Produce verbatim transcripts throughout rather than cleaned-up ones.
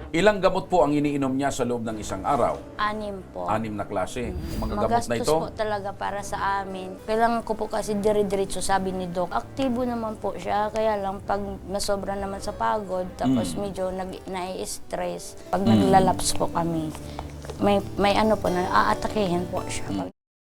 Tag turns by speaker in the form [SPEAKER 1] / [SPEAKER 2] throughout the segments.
[SPEAKER 1] Ilang gamot po ang iniinom niya sa loob ng isang araw?
[SPEAKER 2] Anim po.
[SPEAKER 1] Anim na klase. Mga gamot
[SPEAKER 2] Magastos
[SPEAKER 1] na ito?
[SPEAKER 2] po talaga para sa amin. Kailangan ko po kasi dire-diretso, sabi ni Doc. Aktibo naman po siya, kaya lang pag nasobra naman sa pagod, tapos
[SPEAKER 1] Mm.
[SPEAKER 2] medyo nag, nai-stress, pag naglalaps po kami, may, may ano po na aatakihin po siya.
[SPEAKER 1] Mm.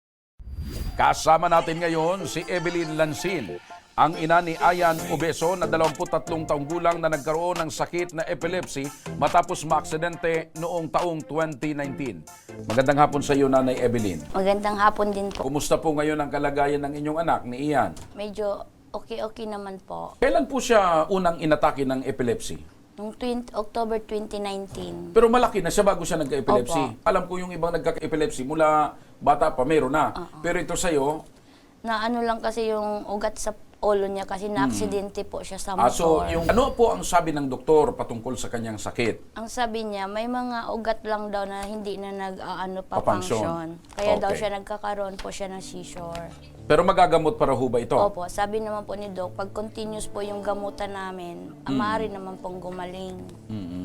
[SPEAKER 1] Kasama natin ngayon si Evelyn Lansin, ang ina ni Ayan Obeso na dalawampu't tatlong taong gulang na nagkaroon ng sakit na epilepsy matapos maaksidente noong taong twenty nineteen. Magandang hapon sa iyo, Nanay Evelyn.
[SPEAKER 2] Magandang hapon din po.
[SPEAKER 1] Kumusta po ngayon ang kalagayan ng inyong anak ni Ian?
[SPEAKER 2] Medyo okay-okay naman po.
[SPEAKER 1] Kailan po siya unang inatake ng epilepsy?
[SPEAKER 2] Noong October twenty nineteen.
[SPEAKER 1] Pero malaki na siya bago siya nagka-epilepsy.
[SPEAKER 2] Opo.
[SPEAKER 1] Alam ko yung ibang nagka-epilepsy mula bata pa meron na. Pero ito sa'yo,
[SPEAKER 2] Na ano lang kasi yung ugat sa ulo niya kasi na-aksidente po siya sa
[SPEAKER 1] ah, so
[SPEAKER 2] motor.
[SPEAKER 1] yung, ano po ang sabi ng doktor patungkol sa kanyang sakit?
[SPEAKER 2] Ang sabi niya, may mga ugat lang daw na hindi na nag-ano pa
[SPEAKER 1] Papangsyon.
[SPEAKER 2] function. Kaya daw
[SPEAKER 1] Okay.
[SPEAKER 2] siya nagkakaroon po siya ng seizure.
[SPEAKER 1] Pero magagamot para ho ba ito?
[SPEAKER 2] Opo, sabi naman po ni Doc, pag continuous po yung gamutan namin, mm. maaari naman pong gumaling.
[SPEAKER 1] Mm-mm.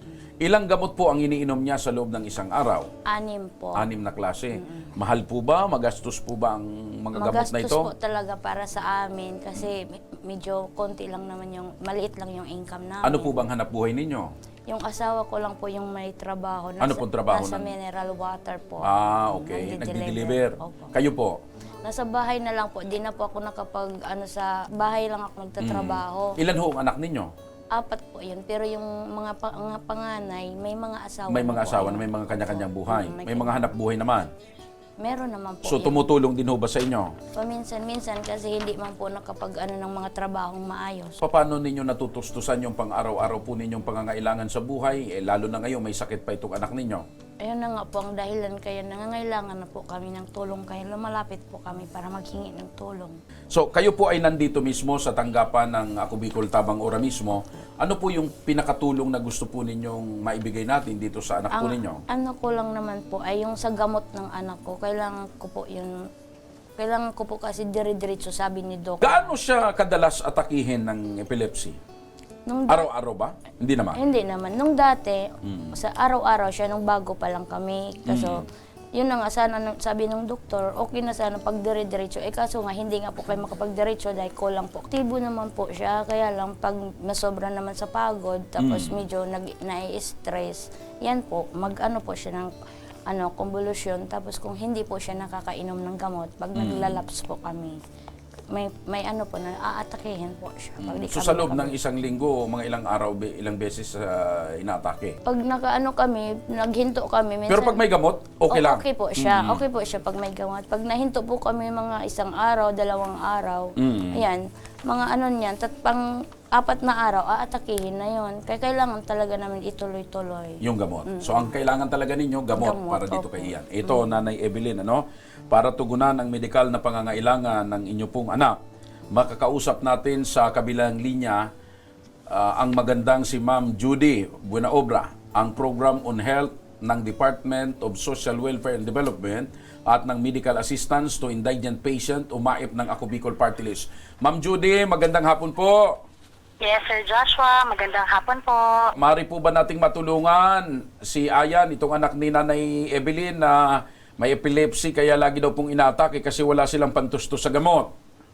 [SPEAKER 1] Ilang gamot po ang iniinom niya sa loob ng isang araw?
[SPEAKER 2] Anim po.
[SPEAKER 1] Anim na klase. Mahal po ba? Magastos po ba ang mga gamot na
[SPEAKER 2] Magastos
[SPEAKER 1] ito?
[SPEAKER 2] po talaga para sa amin kasi me- medyo konti lang naman yung, maliit lang yung income namin.
[SPEAKER 1] Ano po bang hanap buhay ninyo?
[SPEAKER 2] Yung asawa ko lang po yung may trabaho.
[SPEAKER 1] Ano pong trabaho
[SPEAKER 2] Nasa
[SPEAKER 1] nun?
[SPEAKER 2] mineral water po.
[SPEAKER 1] Ah, okay. Nagdi-deliver.
[SPEAKER 2] Opo.
[SPEAKER 1] Kayo po?
[SPEAKER 2] Nasa bahay na lang po. Di na po ako nakapag, ano sa bahay lang ako nagtatrabaho.
[SPEAKER 1] Ilan ho ang anak ninyo?
[SPEAKER 2] Apat po yun. Pero yung mga, pa, mga panganay, may mga asawa
[SPEAKER 1] May
[SPEAKER 2] na
[SPEAKER 1] mga
[SPEAKER 2] po
[SPEAKER 1] asawa
[SPEAKER 2] ayun.
[SPEAKER 1] na may mga kanya-kanyang buhay.
[SPEAKER 2] Mm, may
[SPEAKER 1] May mga hanap buhay naman.
[SPEAKER 2] Meron naman po
[SPEAKER 1] So
[SPEAKER 2] yun.
[SPEAKER 1] tumutulong din ho ba sa inyo?
[SPEAKER 2] Paminsan-minsan kasi hindi man po nakapag ano ng mga trabahong maayos.
[SPEAKER 1] Paano ninyo natutustusan yung pang-araw-araw po ninyong pangangailangan sa buhay? Eh, lalo na ngayon may sakit pa itong anak ninyo.
[SPEAKER 2] Ayun na nga po ang dahilan kaya nangangailangan na po kami ng tulong kaya lumalapit po kami para maghingi ng tulong.
[SPEAKER 1] So kayo po ay nandito mismo sa tanggapan ng Ako Bicol Tabang Ora mismo. Ano po yung pinakatulong na gusto po ninyong maibigay natin dito sa anak po
[SPEAKER 2] Ang
[SPEAKER 1] ninyo?
[SPEAKER 2] ano ko lang naman po ay yung sa gamot ng anak ko, kailangan ko po yun, kailangan ko po kasi dire-diretso, sabi ni Doc.
[SPEAKER 1] Gaano siya kadalas atakihin ng epilepsy?
[SPEAKER 2] Nung da-
[SPEAKER 1] Araw-araw ba? Hindi naman.
[SPEAKER 2] Hindi naman. Nung dati,
[SPEAKER 1] Mm.
[SPEAKER 2] sa araw-araw siya, nung bago pa lang kami. Kaso, yun na nga, sana, nung- sabi ng doktor, okay na sana pag dire-diretso. Eh kaso nga, hindi nga po kayo makapag-diretso dahil kulang po. Aktibo naman po siya, kaya lang pag masobra naman sa pagod, tapos
[SPEAKER 1] Mm.
[SPEAKER 2] medyo nag, nai-stress, yan po, mag-ano po siya ng ano, convulsion. Tapos kung hindi po siya nakakainom ng gamot, pag naglalaps po kami, may may ano po na aatakihin po siya. Pag di
[SPEAKER 1] So
[SPEAKER 2] kami
[SPEAKER 1] sa loob
[SPEAKER 2] nakapag-
[SPEAKER 1] ng isang linggo, mga ilang araw, be- ilang beses uh, inatake?
[SPEAKER 2] Pag nakaano kami, naghinto kami. Minsan,
[SPEAKER 1] Pero pag may gamot, okay
[SPEAKER 2] O-
[SPEAKER 1] lang?
[SPEAKER 2] Okay po siya. Okay po siya pag may gamot. Pag nahinto po kami mga isang araw, dalawang araw,
[SPEAKER 1] Mm.
[SPEAKER 2] ayan, mga ano niyan, tat pang apat na araw, aatakihin na yon. Kaya kailangan talaga namin ituloy-tuloy.
[SPEAKER 1] Yung gamot. So ang kailangan talaga ninyo, gamot,
[SPEAKER 2] Gamot,
[SPEAKER 1] para dito
[SPEAKER 2] opo.
[SPEAKER 1] kay Ian. Ito, Nanay Evelyn, ano? Para tugunan ang medikal na pangangailangan ng inyo pong anak, makakausap natin sa kabilang linya ah, ang magandang si Ma'am Judy Buenaobra, ang Program on Health ng Department of Social Welfare and Development at ng Medical Assistance to Indigent Patient, umaip ng Ako Bicol Party List. Ma'am Judy, magandang hapon po.
[SPEAKER 3] Yes, Sir Joshua. Magandang hapon po.
[SPEAKER 1] Mari po ba nating matulungan si Ayan, itong anak ni Nanay Evelyn na may epilepsy kaya lagi daw pong inatake kasi wala silang pantustos sa gamot?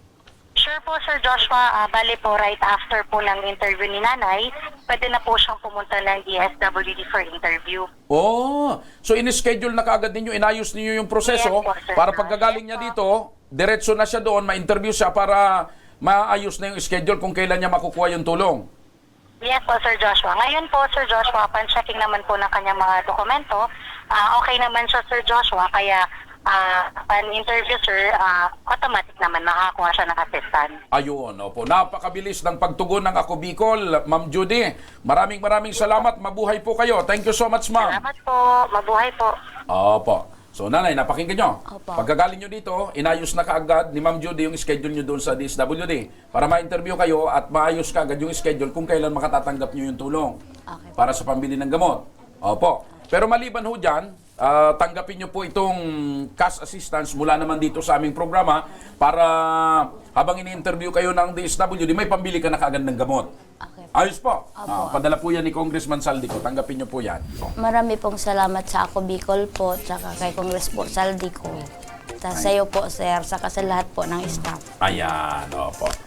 [SPEAKER 3] Sure po, Sir Joshua. Uh, bali po, right after po ng interview ni Nanay, pwede na po siyang pumunta ng D S W D for interview.
[SPEAKER 1] Oh, so in-schedule na kaagad ninyo, inayos ninyo yung proseso
[SPEAKER 3] Yes po, sir.
[SPEAKER 1] para pagkagaling niya dito, diretso na siya doon, ma-interview siya para maayos na yung schedule kung kailan niya makukuha yung tulong.
[SPEAKER 3] Yes po, Sir Joshua. Ngayon po, Sir Joshua, pan-checking naman po ng kanyang mga dokumento. Ah, okay naman siya, Sir Joshua, kaya ah, pan-interview, sir, ah, automatic naman makakuha siya ng assistant.
[SPEAKER 1] Ayun, opo. Napakabilis ng pagtugon ng Ako Bicol, Ma'am Judy. Maraming maraming salamat. Mabuhay po kayo. Thank you so much, ma'am.
[SPEAKER 3] Salamat po. Mabuhay po.
[SPEAKER 1] Opo. So, nanay, napakinggan nyo.
[SPEAKER 2] Opo.
[SPEAKER 1] Pagkagaling nyo dito, inayos na kaagad ni Ma'am Judy yung schedule nyo doon sa D S W D para ma-interview kayo at maayos kaagad yung schedule kung kailan makatatanggap nyo yung tulong
[SPEAKER 2] Okay.
[SPEAKER 1] para sa pambili ng gamot. Opo. Pero maliban ho dyan, ah, tanggapin nyo po itong cash assistance mula naman dito sa aming programa para habang ini-interview kayo ng D S W D, may pambili ka na kaagad ng gamot.
[SPEAKER 2] Okay po.
[SPEAKER 1] Ayos po. Ah, padala po yan ni Congressman Saldico. Tanggapin niyo po yan.
[SPEAKER 2] Marami pong salamat sa Ako Bicol po, tsaka kay Congress po Saldico. Tapos sa iyo po, sir, saka sa lahat po ng staff.
[SPEAKER 1] Ayan, opo.